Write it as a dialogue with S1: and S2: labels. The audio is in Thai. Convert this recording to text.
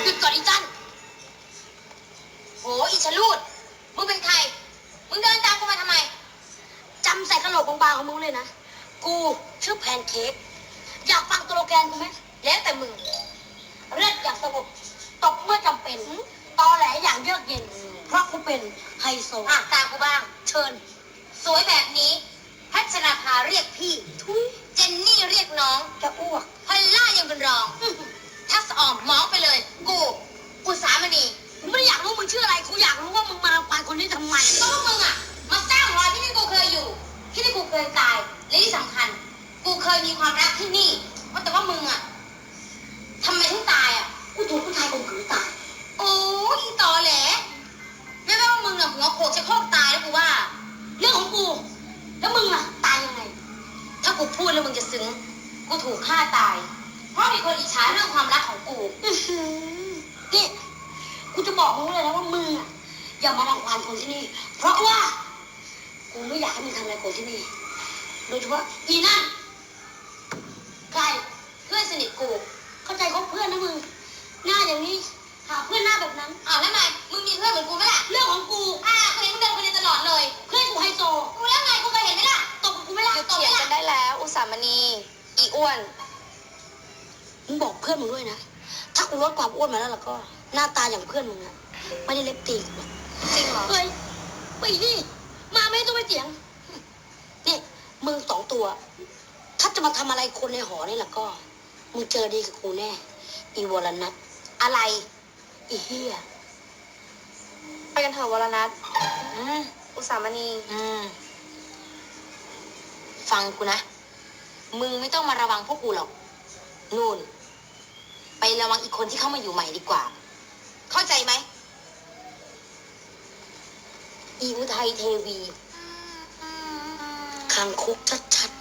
S1: ยุดก่อนอีจันโหอีชะลูดมึงเป็นใครมึงเดินตามกูมาทำไมจำใส่กระโหลกบางๆของมึงเลยนะกูชื่อแพนเค้กอยากฟังตัวโลแกนกูไหมแล้วแต่มึงเลือดอยากสงบตบเมื่อจำเป็นตอแหลอย่างเยือกเย็นเพราะกูเป็นไฮโซตามกูบ้างเชิญสวยแบบนี้พัชนาภาเรียกพี่ทุยเจนนี่เรียกน้องจะอ้วกพอลล่ายังเป็นรองทักษะออมมองไปเลยกูอุสามณีกูไม่ได้อยากรู้มึงชื่ออะไรกูอยากรู้ว่ามึงมารังควานคนนี้ทำไมก็พวกมึงอ่ะมาสร้างรอยที่นี่กูเคยอยู่ที่นี่กูเคยตายและที่สำคัญกูเคยมีความรักที่นี่ว่าแต่ว่ามึงอ่ะทำไมถึงตายอ่ะกูถูกผู้ชายข่มขืนตายโอ้ยตอแหลไม่ว่ามึงอ่ะหัวโขกจะโคกตายแล้วกูว่าเรื่องของกูแล้วมึงอ่ะตายยังไงถ้ากูพูดแล้วมึงจะซึ้งกูถูกฆ่าตายเพราะมีคนอิจฉาเรื่องความรักของกูนี่กูจะบอกมึงเลยนะว่ามึงอ่ะอย่ามารังควานคนที่นี่เพราะว่ากูไม่อยากให้มึงทำอะไรคนที่นี่โดยเฉพาะอีนั่นใครเพื่อนสนิทกูเข้าใจเขาเพื่อนนะมึงหน้าอย่างนี้หาเพื่อนหน้าแบบนั้นแล้วไงมึงมีเพื่อนเหมือนกูไหมล่ะเรื่องของกูกูเห็นมึงเดินคนเดียวตลอดเลยเพื่อนกูไฮโซกูแล้วไงกูเคยเห็นไหมล่ะตบกูไหมล่ะ
S2: หยุดเถียงกันได้แล้วอุสามณีอีอ้วน
S1: มึงบอกเพื่อนมึงด้วยนะถ้ากูลดความอ้วนมาแล้วก็หน้าตาอย่างเพื่อนมึงอะไม่ได้เล็บตีกูหรอก
S2: จริงเหรอ
S1: เฮ้ยไปนี่มาไม่ต้องไปเถียงนี่มึงสองตัว ถ้าจะมาทำอะไรคนในหอนี่ล่ะก็มึงเจอดีกับกูแน่อีวรนัท
S2: อะไร
S1: อีเฮีย
S2: ไปกันเถอะวรนัท
S1: อืม
S2: อุสามณี
S1: ฟังกูนะมึงไม่ต้องมาระวังพวกกูหรอกนู่นไประวังอีกคนที่เข้ามาอยู่ใหม่ดีกว่า เข้าใจไหมอีอุทัยเทวีคางคกชัด